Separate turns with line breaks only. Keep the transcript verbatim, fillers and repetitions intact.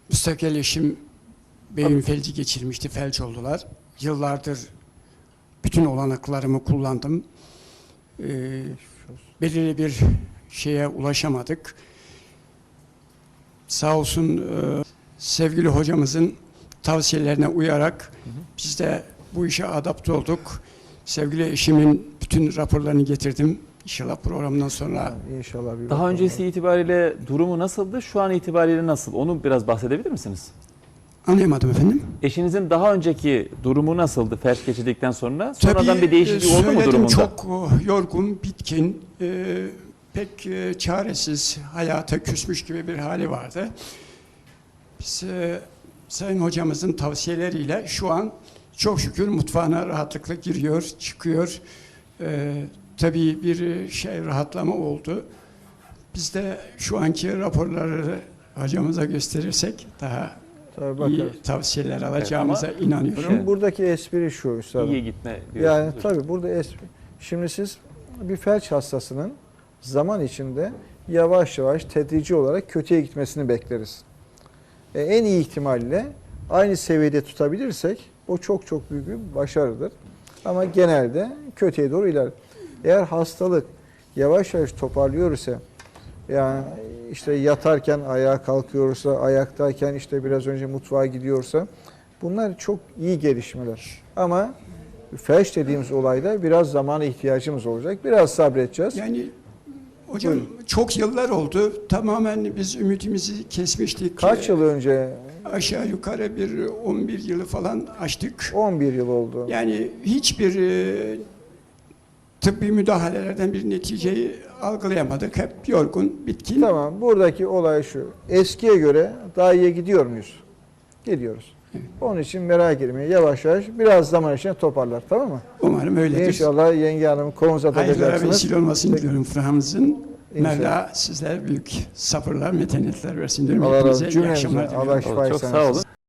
Müstakil eşim beyin felci geçirmişti, felç oldular. Yıllardır bütün olanaklarımı kullandım. Ee, belirli bir şeye ulaşamadık. Sağ olsun e, sevgili hocamızın tavsiyelerine uyarak hı hı. biz de bu işe adapte olduk. Sevgili eşimin bütün raporlarını getirdim. İnşallah programdan sonra.
İnşallah bir
Daha öncesi var. itibariyle durumu nasıldı? Şu an itibariyle nasıl? Onu biraz bahsedebilir misiniz?
Anlayamadım efendim.
Eşinizin daha önceki durumu nasıldı felç geçirdikten sonra? Sonradan
Tabii,
bir değişiklik oldu mu durumunda?
Çok yorgun, bitkin, e, pek e, çaresiz, hayata küsmüş gibi bir hali vardı. Biz e, Sayın hocamızın tavsiyeleriyle şu an çok şükür mutfağına rahatlıkla giriyor, çıkıyor. E, tabii bir şey rahatlama oldu. Biz de şu anki raporları hocamıza gösterirsek daha iyi tavsiyeler alacağımıza evet, inanıyorum.
Bunun buradaki espri şu üstadım.
İyi gitme diyorsunuz.
Yani tabii burada espri. Şimdi siz bir felç hastasının zaman içinde yavaş yavaş tedrici olarak kötüye gitmesini bekleriz. E, en iyi ihtimalle aynı seviyede tutabilirsek o çok çok büyük bir başarıdır. Ama genelde kötüye doğru iler. Eğer hastalık yavaş yavaş toparlıyorsa, yani işte yatarken ayağa kalkıyorsa, ayaktayken işte biraz önce mutfağa gidiyorsa, bunlar çok iyi gelişmeler. Ama felç dediğimiz olayda biraz zamana ihtiyacımız olacak. Biraz sabredeceğiz.
Yani hocam Buyurun. Çok yıllar oldu. Tamamen biz ümidimizi kesmiştik.
Kaç yıl önce?
Aşağı yukarı bir on bir yılı falan açtık.
on bir yıl oldu.
Yani hiçbir e, tıbbi müdahalelerden bir neticeyi algılayamadık. Hep yorgun, bitkin.
Tamam. Buradaki olay şu. Eskiye göre daha iyi gidiyor muyuz? Gidiyoruz. Evet. Onun için merak etmeyin. Yavaş yavaş biraz zaman içinde toparlar. Tamam mı?
Umarım öyledir.
İnşallah yenge hanım kolunuza takacaksınız.
Hayırlara vesile olmasını diliyorum Fırhamızın. Mevla sizler büyük sabırlar, metanetler versin diyorum.
Allah razı olsun.
İyi akşamlar diliyorum.
Çok sağ olun.